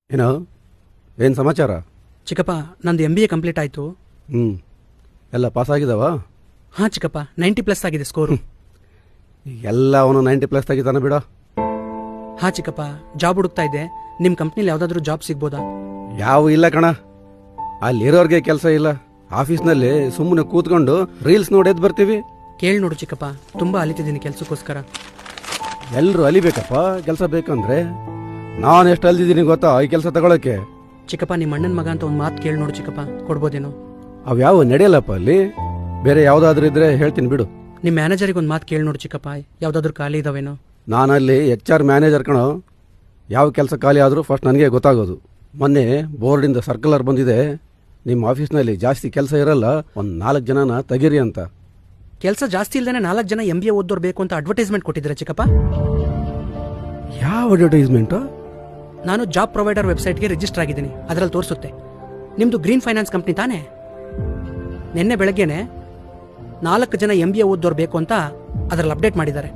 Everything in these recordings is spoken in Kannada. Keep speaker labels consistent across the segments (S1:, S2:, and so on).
S1: ಏನೋ ಏನು ಸಮಾಚಾರ?
S2: ಚಿಕ್ಕಪ್ಪ, ನಂದು MBA ಕಂಪ್ಲೀಟ್ ಆಯಿತು.
S1: ಎಲ್ಲ ಪಾಸ್ ಆಗಿದಾವ?
S2: ಹಾಂ ಚಿಕ್ಕಪ್ಪ, 90+ ಆಗಿದೆ ಸ್ಕೋರು.
S1: ಎಲ್ಲ ಅವನು 90+ ತೆಗಿತಾನೆ ಬಿಡ.
S2: ಹಾಂ ಚಿಕ್ಕಪ್ಪ, ಜಾಬ್ ಹುಡುಕ್ತಾ ಇದ್ದೆ. ನಿಮ್ಮ ಕಂಪ್ನಿಲಿ ಯಾವುದಾದ್ರೂ ಜಾಬ್ ಸಿಗ್ಬೋದಾ?
S1: ಯಾವ ಇಲ್ಲ ಕಣ, ಅಲ್ಲಿರೋರ್ಗೆ ಕೆಲಸ ಇಲ್ಲ. ಆಫೀಸ್ನಲ್ಲಿ ಸುಮ್ಮನೆ ಕೂತ್ಕೊಂಡು ರೀಲ್ಸ್ ನೋಡೋದು ಬರ್ತೀವಿ.
S2: ಕೇಳಿ ನೋಡು ಚಿಕ್ಕಪ್ಪ, ತುಂಬ ಅಲಿತಿದ್ದೀನಿ ಕೆಲಸಕ್ಕೋಸ್ಕರ.
S1: ಎಲ್ಲರೂ ಅಲಿಬೇಕಪ್ಪ ಕೆಲಸ ಬೇಕಂದ್ರೆ. ನಾನು ಎಷ್ಟು ಅಲ್ದಿದ್ದೀನಿ ಗೊತ್ತಾ ಈ ಕೆಲಸ ತಗೊಳಕ್ಕೆ.
S2: ಚಿಕ್ಕಪ್ಪ, ನಿಮ್ಮ ಅಣ್ಣನ ಮಗ ಅಂತ ಒಂದು ಮಾತು ಕೇಳಿ ನೋಡು ಚಿಕ್ಕಪ್ಪ, ಕೊಡ್ಬೋದೇನೋ?
S1: ಅವ್ಯಾವ ನಡೆಯಲ್ಲಪ್ಪ ಅಲ್ಲಿ. ಬೇರೆ ಯಾವುದಾದ್ರೂ ಇದ್ರೆ ಹೇಳ್ತೀನಿ ಬಿಡು.
S2: ನಿಮ್ಮ ಮ್ಯಾನೇಜರಿಗೆ ಒಂದು ಮಾತು ಕೇಳಿ ನೋಡು ಚಿಕ್ಕಪ್ಪ, ಯಾವುದಾದ್ರೂ ಖಾಲಿ ಇದಾವೇನೋ?
S1: ನಾನಲ್ಲಿ HR ಮ್ಯಾನೇಜರ್ ಕಣೋ. ಯಾವ ಕೆಲಸ ಖಾಲಿ ಆದರೂ ಫಸ್ಟ್ ನನಗೆ ಗೊತ್ತಾಗೋದು. ಮೊನ್ನೆ ಬೋರ್ಡಿಂದ ಸರ್ಕ್ಯುಲರ್ ಬಂದಿದೆ, ನಿಮ್ಮ ಆಫೀಸ್ನಲ್ಲಿ ಜಾಸ್ತಿ ಕೆಲಸ ಇರಲ್ಲ, ಒಂದು 4 ಜನನ ತೆಗೀರಿ ಅಂತ.
S2: ಕೆಲಸ ಜಾಸ್ತಿ ಇಲ್ದೇನೆ 4 ಜನ MBA ಓದೋರು ಬೇಕು ಅಂತ ಅಡ್ವರ್ಟೈಸ್ಮೆಂಟ್ ಕೊಟ್ಟಿದ್ದೀರಾ ಚಿಕ್ಕಪ್ಪ?
S1: ಯಾವ ಅಡ್ವರ್ಟೈಸ್ಮೆಂಟು?
S2: ನಾನು ಜಾಬ್ ಪ್ರೊವೈಡರ್ ವೆಬ್ಸೈಟ್ಗೆ ರಿಜಿಸ್ಟರ್ ಆಗಿದ್ದೀನಿ, ಅದರಲ್ಲಿ ತೋರಿಸುತ್ತೆ. ನಿಮ್ಮದು ಗ್ರೀನ್ ಫೈನಾನ್ಸ್ ಕಂಪ್ನಿ ತಾನೇ? ನಿನ್ನೆ ಬೆಳಗ್ಗೆನೆ 4 ಜನ MBA ಓದೋರು ಬೇಕು ಅಂತ ಅದರಲ್ಲಿ ಅಪ್ಡೇಟ್ ಮಾಡಿದ್ದಾರೆ.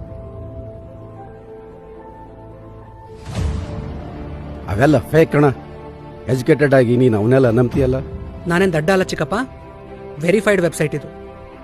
S1: ಅವೆಲ್ಲ ಫೇಕ್ ಕಣ. ಎಜುಕೇಟೆಡ್ ಆಗಿ ನೀನು ಅವನ್ನೆಲ್ಲ ನಂಬ್ತೀಯಲ್ಲ.
S2: ನಾನೇನು ದಡ್ಡ ಅಲ್ಲ ಚಿಕ್ಕಪ್ಪ, ವೆರಿಫೈಡ್ ವೆಬ್ಸೈಟ್ ಇದು.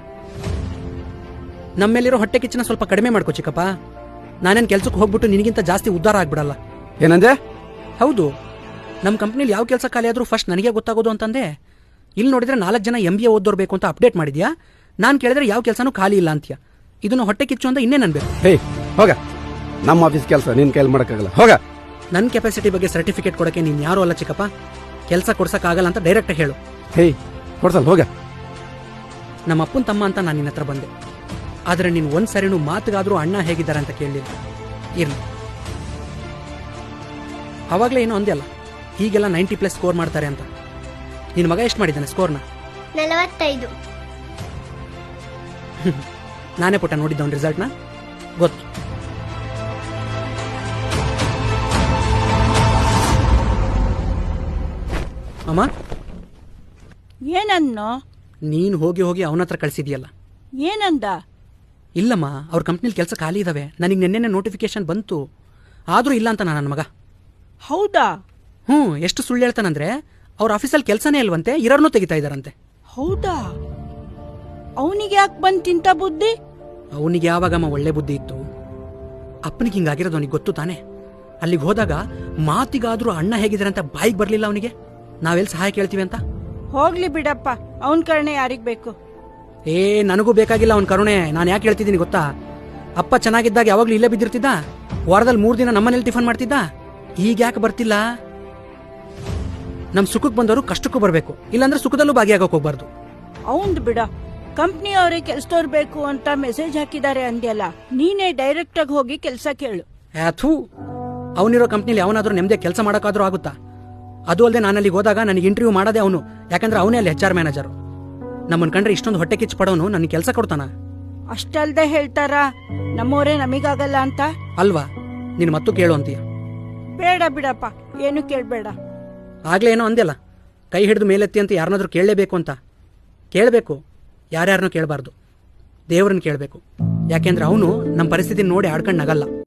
S2: ನಮ್ಮೇಲಿರೋ ಹೊಟ್ಟೆ ಕಿಚ್ಚನ ಸ್ವಲ್ಪ ಕಡಿಮೆ ಮಾಡ್ಕೋ ಚಿಕ್ಕಪ್ಪ. ನಾನೇನು ಕೆಲ್ಸಕ್ಕೆ ಹೋಗ್ಬಿಟ್ಟು ನಿನಗಿಂತ ಜಾಸ್ತಿ ಉದ್ಧಾರ ಆಗ್ಬಿಡಲ್ಲ.
S1: ಏನಂದೆ?
S2: ಹೌದು, ನಮ್ಮ ಕಂಪ್ನಿಲಿ ಯಾವ ಕೆಲಸ ಖಾಲಿ ಆದರೂ ಫಸ್ಟ್ ನನಗೆ ಗೊತ್ತಾಗೋದು ಅಂತಂದೆ. ಇಲ್ಲಿ ನೋಡಿದ್ರೆ 4 ಜನ MBA ಓದೋರು ಬೇಕು ಅಂತ ಅಪ್ಡೇಟ್ ಮಾಡಿದ್ಯಾ. ನಾನು ಕೇಳಿದ್ರೆ ಯಾವ ಕೆಲಸನೂ ಖಾಲಿ ಇಲ್ಲ ಅಂತೀಯ. ಇದನ್ನು ಹೊಟ್ಟೆ ಕಿಚ್ಚು ಅಂತ ಇನ್ನೇ ನನ್ಬೇಕು.
S1: ಹೇ ಹೋಗ, ನಮ್ಮ ಆಫೀಸ್ ಕೆಲಸ ನಿನ್ನ ಕೈಲಿ ಮಾಡೋಕ್ಕಾಗಲ್ಲ, ಹೋಗ.
S2: ನನ್ನ ಕೆಪಾಸಿಟಿ ಬಗ್ಗೆ ಸರ್ಟಿಫಿಕೇಟ್ ಕೊಡೋಕ್ಕೆ ನೀನು ಯಾರೂ ಅಲ್ಲ ಚಿಕ್ಕಪ್ಪ. ಕೆಲಸ ಕೊಡ್ಸೋಕ್ಕಾಗಲ್ಲ ಅಂತ ಡೈರೆಕ್ಟಾಗಿ ಹೇಳು.
S1: ಹೇ ಕೊಡ್ಸಲ್ಲ, ಹೋಗ.
S2: ನಮ್ಮ ಅಪ್ಪನ ತಮ್ಮ ಅಂತ ನಾನು ನಿನ್ನ ಹತ್ರ ಬಂದೆ, ಆದರೆ ನೀನು ಒಂದು ಸರಿನೂ ಮಾತಿಗಾದರೂ ಅಣ್ಣ ಹೇಗಿದ್ದಾರೆ ಅಂತ ಕೇಳಲಿಲ್ಲ. ಇರಲಿ, ಅವಾಗಲೇ ಏನೋ ಅಂದೆ ಅಲ್ಲ, ಹೀಗೆಲ್ಲ 90+ ಸ್ಕೋರ್ ಮಾಡ್ತಾರೆ ಅಂತ. ನಿನ್ನ ಮಗ ಎಷ್ಟು ಮಾಡಿದ್ದಾನೆ ಸ್ಕೋರ್ನ?
S3: 45.
S2: ನಾನೇ ಪುಟ್ಟ ನೋಡಿದ್ದವನ ರಿಸಲ್ಟ್ನ, ಗೊತ್ತು. ಅಮ್ಮ,
S4: ಏನನ್ನೋ?
S2: ನೀನು ಹೋಗಿ ಹೋಗಿ ಅವನ ಹತ್ರ ಕಳಿಸಿದ್ಯಲ್ಲ.
S4: ಏನಂದ?
S2: ಇಲ್ಲಮ್ಮ, ಅವ್ರ ಕಂಪ್ನಿಲಿ ಕೆಲಸ ಖಾಲಿ ಇದಾವೆ, ನನಗೆ ನೆನ್ನೆ ನೋಟಿಫಿಕೇಶನ್ ಬಂತು, ಆದರೂ ಇಲ್ಲ ಅಂತ ನನ್ನ ಮಗ.
S4: ಹೌದಾ?
S2: ಎಷ್ಟು ಸುಳ್ಳು ಹೇಳ್ತಾನಂದ್ರೆ, ಅವ್ರ ಆಫೀಸಲ್ಲಿ ಕೆಲಸನೇ ಇಲ್ವಂತೆ, ಇರೋರ್ನೂ ತೆಗಿತಾ ಇದ್ದಾರಂತೆ.
S4: ಹೌದಾ? ಅವನಿಗೆ ಯಾಕೆ ಬಂತಿಂತ ಬುದ್ಧಿ?
S2: ಅವನಿಗೆ ಯಾವಾಗಮ್ಮ ಒಳ್ಳೆ ಬುದ್ಧಿ ಇತ್ತು? ಅಪ್ಪನಿಗೆ ಹಿಂಗಾಗಿರೋದು ಅವನಿಗೆ ಗೊತ್ತು ತಾನೆ. ಅಲ್ಲಿಗೆ ಹೋದಾಗ ಮಾತಿಗಾದ್ರೂ ಅಣ್ಣ ಹೇಗಿದ್ದಾರೆ ಅಂತ ಬಾಯಿಗೆ ಬರಲಿಲ್ಲ ಅವನಿಗೆ. ನಾವೆಲ್ಲಿ ಸಹಾಯ ಕೇಳ್ತೀವಿ ಅಂತ.
S4: ಹೋಗ್ಲಿ ಬಿಡಪ್ಪ, ಅವನ್ ಕರುಣೆ ಯಾರಿಗ್ ಬೇಕು?
S2: ನನಗೂ ಬೇಕಾಗಿಲ್ಲ ಅವನ ಕರುಣೆ. ನಾನು ಯಾಕೆ ಹೇಳ್ತಿದ್ದೀನಿ ಗೊತ್ತಾ? ಅಪ್ಪ ಚೆನ್ನಾಗಿದ್ದಾಗ ಯಾವಾಗ್ಲೂ ಇಲ್ಲೇ ಬಿದ್ದಿರ್ತಿದ್ದ, ವಾರದಲ್ಲಿ 3 ದಿನ ನಮ್ಮನೇಲಿ ಟಿಫನ್ ಮಾಡ್ತಿದ್ದ. ಈಗ ಯಾಕೆ ಬರ್ತಿಲ್ಲ? ನಮ್ ಸುಖಕ್ಕೆ ಬಂದವರು ಕಷ್ಟಕ್ಕೂ ಬರಬೇಕು, ಇಲ್ಲಾಂದ್ರೆ ಸುಖದಲ್ಲೂ ಭಾಗಿಯಾಗಕ್ಕೆ ಹೋಗ್ಬಾರ್ದು.
S4: ಅವಂದ್ ಬಿಡ, ಕಂಪ್ನಿ ಅವರೇ ಕೆಲ್ಸದವ್ರು ಬೇಕು ಅಂತ ಮೆಸೇಜ್ ಹಾಕಿದ್ದಾರೆ ಅಂದ್ಯಲ್ಲ, ನೀನೇ ಡೈರೆಕ್ಟ್ ಆಗಿ ಹೋಗಿ ಕೆಲಸ ಕೇಳು.
S2: ಥೂ, ಅವನಿರೋ ಕಂಪ್ನಿಲಿ ಅವನಾದ್ರೂ ನೆಮ್ಮದಿ ಕೆಲಸ ಮಾಡೋಕ್ಕಾದ್ರೂ ಆಗುತ್ತಾ? ಅದು ಅಲ್ಲದೆ ನಾನಲ್ಲಿ ಹೋದಾಗ ನನಗೆ ಇಂಟರ್ವ್ಯೂ ಮಾಡೋದೇ ಅವನು, ಯಾಕಂದ್ರೆ ಅವನೇ ಅಲ್ಲಿ HR ಮ್ಯಾನೇಜರು. ನಮ್ಮನ್ ಕಂಡ್ರೆ ಇಷ್ಟೊಂದು ಹೊಟ್ಟೆ ಕಿಚ್ಚು ಪಡೋನು ನನಗೆ ಕೆಲಸ ಕೊಡ್ತಾನ?
S4: ಅಷ್ಟಲ್ದೆ ಹೇಳ್ತಾರ ನಮ್ಮವರೇ ನಮಿಗಾಗಲ್ಲ ಅಂತ?
S2: ಅಲ್ವಾ? ನಿನ್ ಮತ್ತೂ ಕೇಳು ಅಂತೀಯ?
S4: ಬೇಡ ಬಿಡಪ್ಪ, ಏನು ಕೇಳ್ಬೇಡ.
S2: ಆಗ್ಲೇ ಏನೋ ಅಂದ್ಯಲ್ಲ, ಕೈ ಹಿಡಿದು ಮೇಲೆತ್ತಿ ಅಂತ ಯಾರನ್ನಾದ್ರೂ ಕೇಳಲೇಬೇಕು ಅಂತ. ಕೇಳಬೇಕು, ಯಾರ್ಯಾರನ್ನೂ ಕೇಳಬಾರ್ದು, ದೇವ್ರನ್ನ ಕೇಳಬೇಕು. ಯಾಕೆಂದ್ರೆ ಅವನು ನಮ್ಮ ಪರಿಸ್ಥಿತಿ ನೋಡಿ ಆಡ್ಕೊಂಡು ನಗಲ್ಲ.